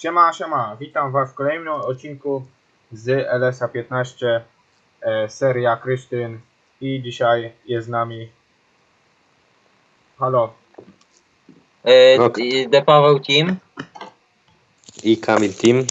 Siema, siema, witam was w kolejnym odcinku z LS-a 15, seria Krysztyn i dzisiaj jest z nami, halo, No. Paweł Team. I Kamil Team.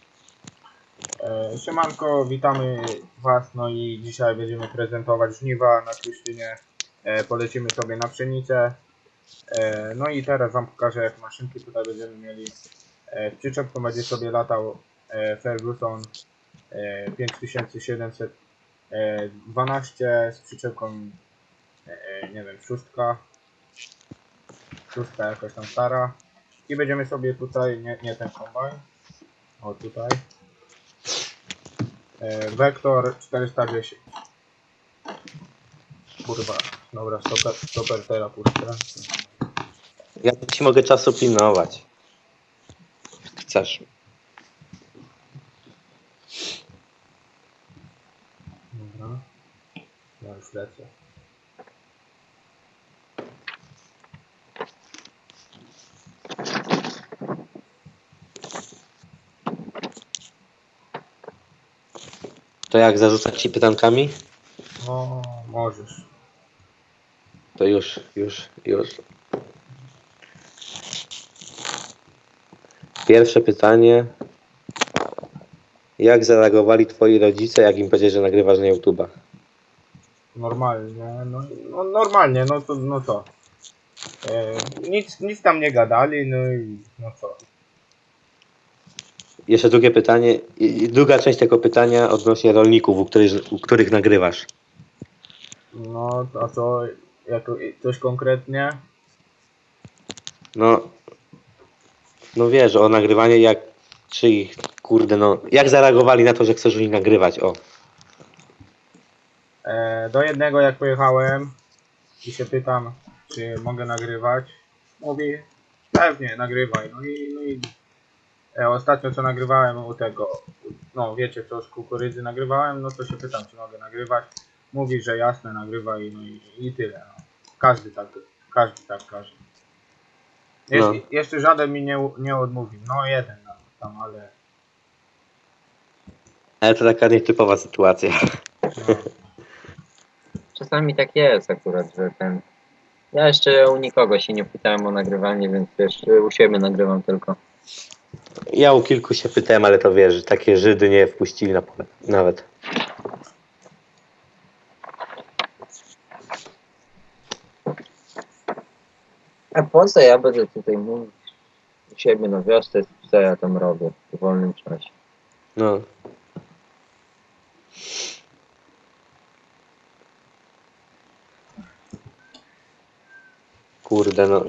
Siemanko, witamy was, no i dzisiaj będziemy prezentować żniwa na Krysztynie, polecimy sobie na pszenicę, no i teraz wam pokażę, jak maszynki tutaj będziemy mieli. W przyczepku będzie sobie latał Ferguson 5712 z przyczepką, nie wiem, szóstka jakaś tam stara, i będziemy sobie tutaj, nie ten kombajn, o tutaj, Vector 410. Kurwa, dobra, stoper teraz puszczę. Ja ci mogę czasu pilnować. Chcesz. Dobra, ja już lecę. To jak zarzucać ci pytankami? O, możesz. To już. Pierwsze pytanie. Jak zareagowali twoi rodzice, jak im powiedziałeś, że nagrywasz na YouTube'a? Normalnie, no normalnie, no to. Nic tam nie gadali, no i no co. Jeszcze drugie pytanie. I druga część tego pytania odnośnie rolników, u których nagrywasz. No, a co, coś konkretnie? No wiesz, o nagrywanie, jak zareagowali na to, że chcesz u nich nagrywać, o. Do jednego jak pojechałem i się pytam, czy mogę nagrywać, mówi, pewnie, nagrywaj. No i ostatnio co nagrywałem u tego, no wiecie co, z kukurydzy nagrywałem, no to się pytam, czy mogę nagrywać. Mówi, że jasne, nagrywaj, no i tyle. No. Każdy tak każe. No. Jeszcze żaden mi nie odmówił, no jeden tam, ale... Ale to taka nietypowa sytuacja. No. Czasami tak jest akurat, że ten... Ja jeszcze u nikogo się nie pytałem o nagrywanie, więc wiesz, u siebie nagrywam tylko. Ja u kilku się pytałem, ale to wiesz, takie Żydy nie wpuścili na pole nawet. A po co ja będę tutaj mówić u siebie na wiosce, co ja tam robię w wolnym czasie? No. Kurde, no.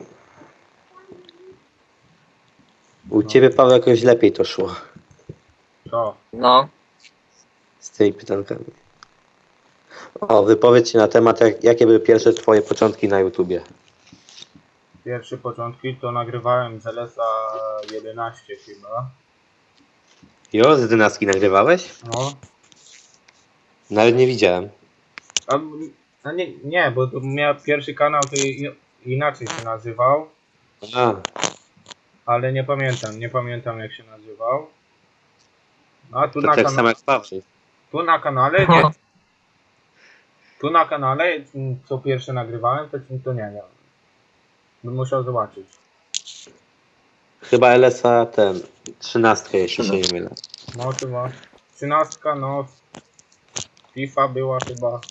U ciebie, Paweł, jakoś lepiej to szło Co? No, z tymi pytankami. O, wypowiedz się na temat, jakie były pierwsze twoje początki na YouTubie. Pierwsze początki to nagrywałem z LS-a 11 chyba. Jo, z Dynastki nagrywałeś? No. Nawet nie widziałem. A nie, bo to miał pierwszy kanał, to inaczej się nazywał, A, ale nie pamiętam jak się nazywał. A tu to na, tak samo jak Paweł. tu na kanale, nie. Tu na kanale, co pierwsze nagrywałem, to nie wiem. Bym musiał zobaczyć. Chyba LS-a 13, jeśli się nie mylę. No chyba. 13, no. FIFA była chyba.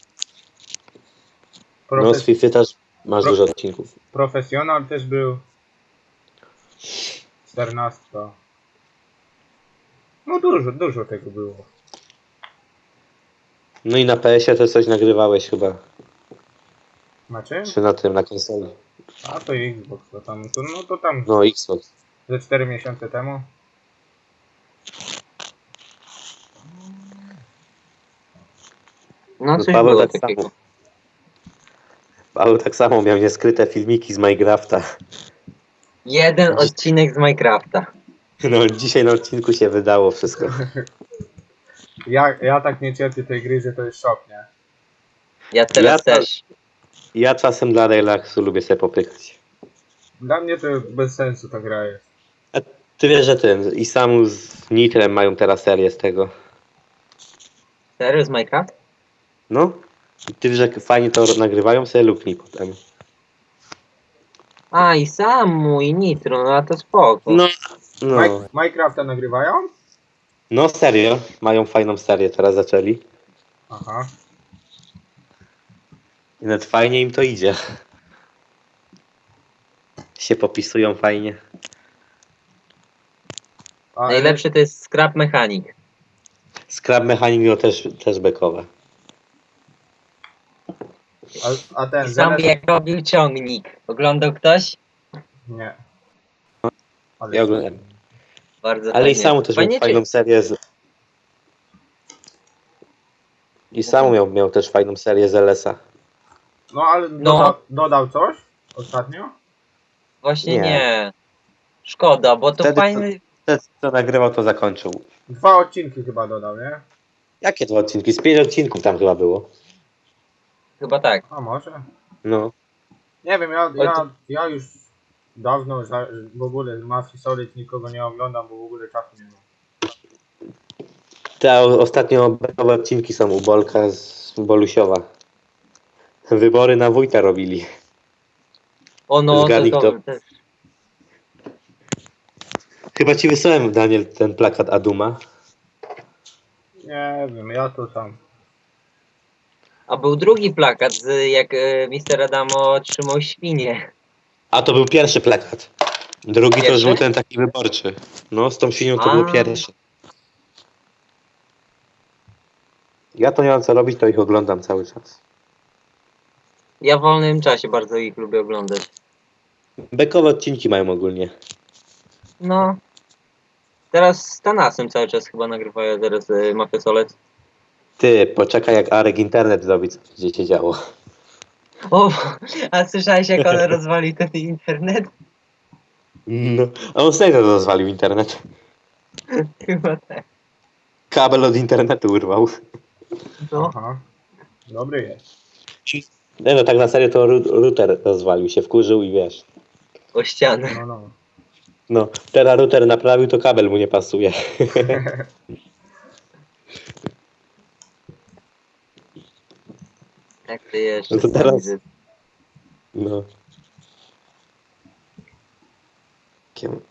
No, z FIFA też masz dużo odcinków. Profesjonal też był. 14. No dużo tego było. No i na PS-ie też coś nagrywałeś chyba. Na czym? Czy na tym, na konsoli. A to Xbox, to tam No, Xbox. ze 4 miesiące temu. no coś Paweł było tak takiego. samo. Paweł tak samo miał nieskryte filmiki z Minecrafta. Jeden odcinek z Minecrafta. No, dzisiaj na odcinku się wydało wszystko. Ja tak nie cierpię tej gry, że to jest szok, nie? Ja teraz Ja też. Ja czasem dla relaksu lubię sobie popykać. Dla mnie to bez sensu ta gra jest. Ty wiesz, że ten i Samu z Nitrem mają teraz serię z tego. Serio z Minecraft? No. I ty wiesz, że fajnie to nagrywają, sobie luknij potem. A, i Samu, i Nitro, no a to spoko. No. No. Minecrafta nagrywają? No serio. Mają fajną serię, teraz zaczęli. Aha. I nawet fajnie im to idzie. Się popisują fajnie. A, Najlepszy to jest Scrap Mechanic. Scrap Mechanic miał też bekowe. a ten I sam ZNS... jak robił ciągnik. Oglądał ktoś? Nie. Ale Ja oglądam. Bardzo Ale i fajnie. Samu też miał Fajnie, fajną serię z... I Samu miał też fajną serię z LS-a. No ale No. dodał coś ostatnio? Właśnie Nie. nie. Szkoda, bo to Wtedy fajny... Ten, co nagrywał, to zakończył. 2 odcinki chyba dodał, nie? Jakie to odcinki? Z 5 odcinków tam chyba było. Chyba tak. A może? No. Nie wiem, Oj, to- ja już dawno w ogóle z Mafii Solid nikogo nie oglądam, bo w ogóle czasu nie mam. Te ostatnio bekowe odcinki są u Bolka z Bolusiowa. Wybory na wójta robili. O no, Zgadnij, to kto. też. Chyba ci wysłałem, Daniel, ten plakat Aduma. Nie wiem, ja to sam. A był drugi plakat, jak Mister Adamo trzymał świnię. A to był pierwszy plakat. Drugi to już Pierwszy? był ten taki wyborczy. No, z tą świnią to A. był pierwszy. Ja to nie mam co robić, to ich oglądam cały czas. Ja w wolnym czasie bardzo ich lubię oglądać. Bekowe odcinki mają ogólnie. No. Teraz z Tanasem cały czas chyba nagrywają teraz Mafię Solec. Ty, poczekaj jak Arek internet zrobi, co będzie się działo. O, a słyszałeś jak on rozwalił ten internet? No, a on serio rozwalił internet. Chyba tak. Kabel od internetu urwał. No. Aha. Dobry jest. Nie no, tak na serio to router rozwalił się, wkurzył i wiesz. O ścianę. No, no. No, teraz router naprawił, to kabel mu nie pasuje. Jak ty jeszcze No to teraz- widzę. No. Kiem-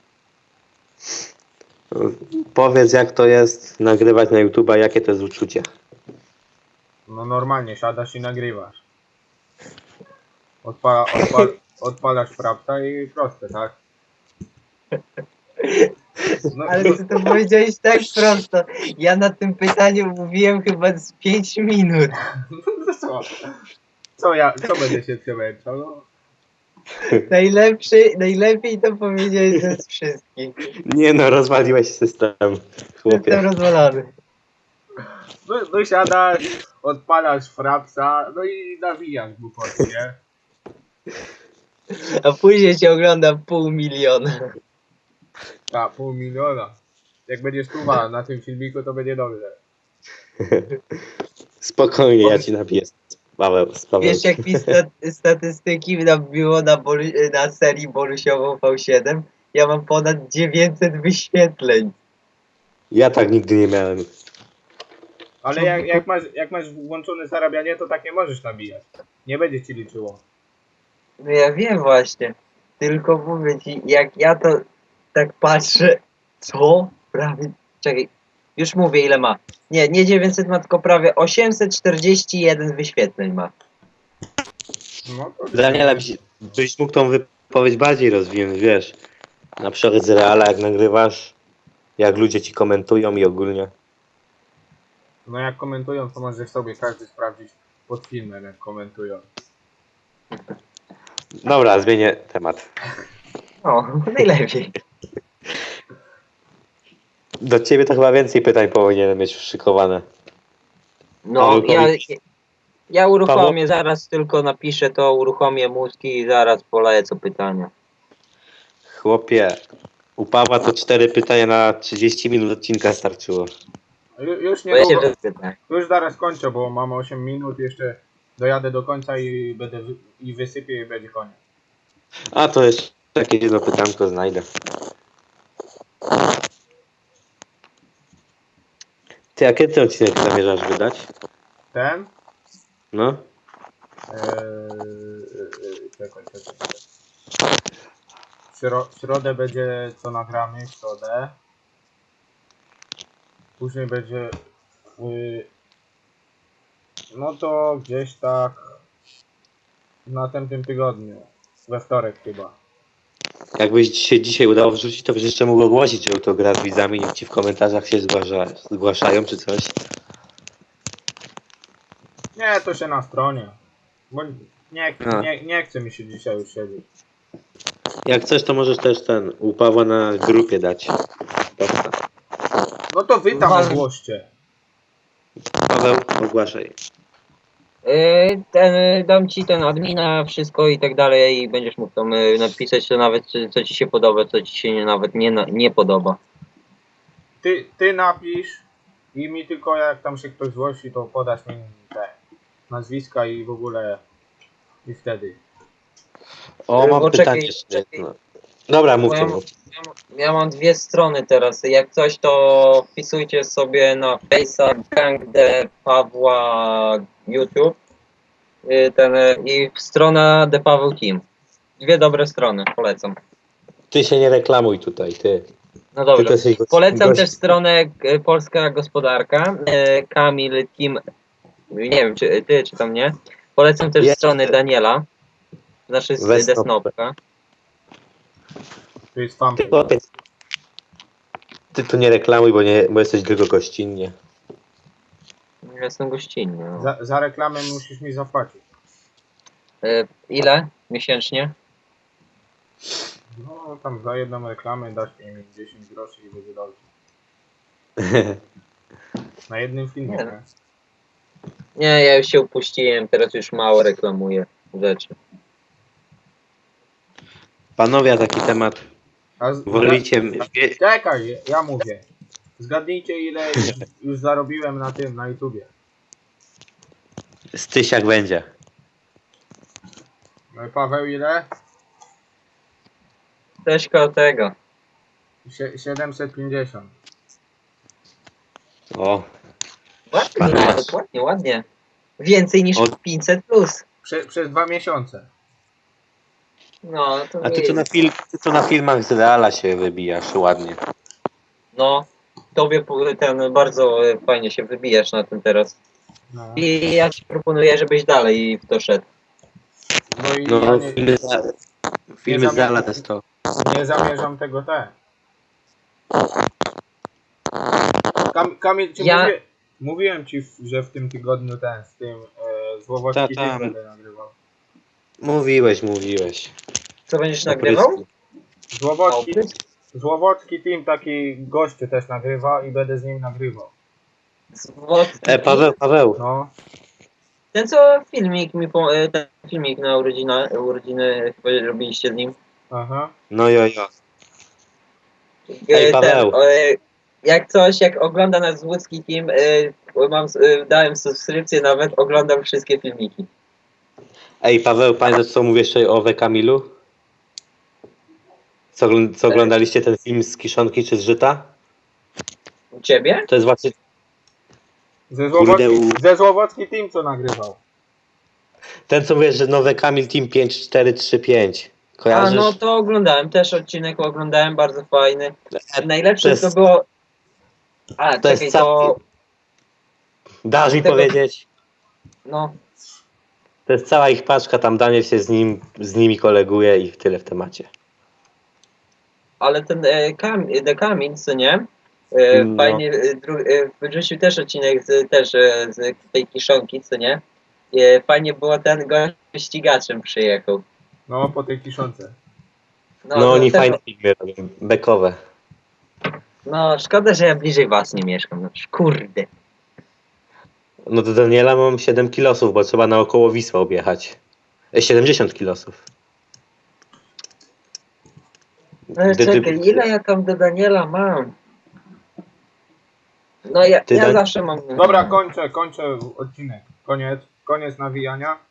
No, powiedz jak to jest nagrywać na YouTube'a, jakie to jest uczucie. No normalnie, siadasz i nagrywasz. Odpalasz frapta i proste, tak? No, Ale ty to powiedziałeś tak prosto. Ja na tym pytaniu mówiłem chyba z 5 minut. no co? Co będę się przemęczał? No, Najlepiej to powiedziałeś ze wszystkich. Nie no, rozwaliłeś system, chłopie. Jestem rozwalony. no siadasz, odpalasz frapsa, no i nawijasz głupoty, nie? A później cię ogląda 500 000. A, 500 000. Jak będziesz tuwa na tym filmiku, to będzie dobrze. Spokojnie, ja ci napiję Paweł. Wiesz jak mi statystyki nabiło na serii Bolusiową V7? Ja mam ponad 900 wyświetleń. Ja tak nigdy nie miałem. Ale jak masz włączone zarabianie, to tak nie możesz nabijać. Nie będzie ci liczyło. No ja wiem właśnie. Tylko mówię ci, jak ja to tak patrzę, co? Prawie, czekaj, już mówię ile ma. Nie 900 ma, tylko prawie 841 wyświetleń ma. No to Daniela, byś mógł tą wypowiedź bardziej rozwinąć, wiesz. Na przykład z Reala, jak nagrywasz, jak ludzie ci komentują i ogólnie. No jak komentują, to może sobie każdy sprawdzić pod filmem, jak komentują. Dobra, zmienię temat. No, najlepiej. Do ciebie to chyba więcej pytań powinienem mieć szykowane. No, Paweł, ja uruchomię, zaraz tylko napiszę to, uruchomię mózgi i zaraz polecę pytania. Chłopie, u Pawła to 4 pytania na 30 minut odcinka starczyło. Już Bo ja się niedługo, wypytam. już zaraz kończę, bo mam 8 minut, jeszcze dojadę do końca i wysypię i będzie koniec. A to jeszcze jakieś jedno pytanko znajdę. Ty, a kiedy ten odcinek zamierzasz wydać? Ten? No? Czekaj. W środę będzie co nagramy, w środę. Później będzie... no to gdzieś tak... w następnym tygodniu. We wtorek chyba. Jakbyś się dzisiaj udało wrzucić, to byś jeszcze mógł ogłosić, że to gra z widzami, niech ci w komentarzach się zgłaszają czy coś. Nie, to się na stronie. Bo A. nie chce mi się dzisiaj już siedzieć. Jak coś, to możesz też u Pawła na grupie dać. Posta. No to wy tam Wal- ogłoście. Paweł, ogłaszaj. Dam ci ten admina, wszystko i tak dalej i będziesz mógł tam napisać to nawet co ci się podoba, co ci się nawet nie podoba. Ty napisz i mi tylko jak tam się ktoś zgłosi, to podasz mi te nazwiska i w ogóle i wtedy. O, mam Bo pytanie czekaj, jeszcze. czekaj. No. Dobra, mów Ja to. mam- Ja mam dwie strony teraz. Jak coś, to wpisujcie sobie na Face'a Gang de Pawła YouTube i strona de Paweł Team. Dwie dobre strony, polecam. Ty się nie reklamuj tutaj, ty. No Ty dobrze. to jesteś Polecam gość- też stronę Polska Gospodarka. Kamil Team. Nie wiem, czy ty, czy tam nie. Polecam też Jest. stronę Daniela. Znaczy z Wesnop. Desnopka. To jest fanpage. Ty tu nie reklamuj, bo jesteś tylko gościnnie. Ja jestem gościnny. No. Za reklamę musisz mi zapłacić. Ile miesięcznie? No tam za jedną reklamę dasz mi 10 groszy i będzie dobrze. Na jednym filmie, Nie. nie? Nie, ja już się upuściłem, teraz już mało reklamuję rzeczy. Panowie, a taki temat. A Wolicie... Czekaj, ja mówię. Zgadnijcie ile już zarobiłem na tym, na YouTubie. Stysiak będzie. No i Paweł ile? Też koło tego. 750. O, Ładnie, Pana. dokładnie, ładnie. Więcej niż Od- 500 plus. Przez 2 miesiące. No, to a nie ty co na filmach z Reala się wybijasz ładnie. No, tobie ten bardzo fajnie się wybijasz na tym teraz. No, I ja ci proponuję, żebyś dalej w to szedł. no i No, ja filmy z Reala też to. nie zamierzam tego Kamil, czy Ja- mówiłem ci, że w tym tygodniu z tym Złowocki Ta, tam. film będę nagrywał. Mówiłeś. Co będziesz O nagrywał? prysku. Złowocki team taki gościu też nagrywa i będę z nim nagrywał. Paweł. No, Ten co filmik ten filmik na urodziny chyba robiliście z nim. aha. No jo. Ej, Paweł. Jak coś, jak ogląda nas łódzki team, dałem subskrypcję nawet, oglądam wszystkie filmiki. Ej, Paweł, pamiętasz co mówię jeszcze o Wekamilu? Co oglądaliście ten film z Kiszonki czy z Żyta? U ciebie? To jest właśnie... Ze Złowocki team co nagrywał. Ten co mówisz, że nowe Kamil Team 5435. A Kojarzysz? no to oglądałem, też odcinek oglądałem, bardzo fajny. Najlepsze jest- to było... A, to jest czekaj, cały- to... Dasz mi tego- powiedzieć? No, To jest cała ich paczka, tam Daniel się z nimi koleguje i tyle w temacie. ale ten Kamil, co nie? No. Fajnie, wyrzucił też odcinek z tej kiszonki, co nie? Fajnie było, ten gość ścigaczem przyjechał. No, po tej Kiszonce. No oni też- fajne filmy robią, bekowe. No, szkoda, że ja bliżej was nie mieszkam, no kurde. No do Daniela mam 7 kilosów, bo trzeba naokoło Wisła objechać. 70 kilosów. No czekaj, ile ja tam do Daniela mam? No ja Ty, zawsze mam... Dobra, kończę odcinek. Koniec nawijania.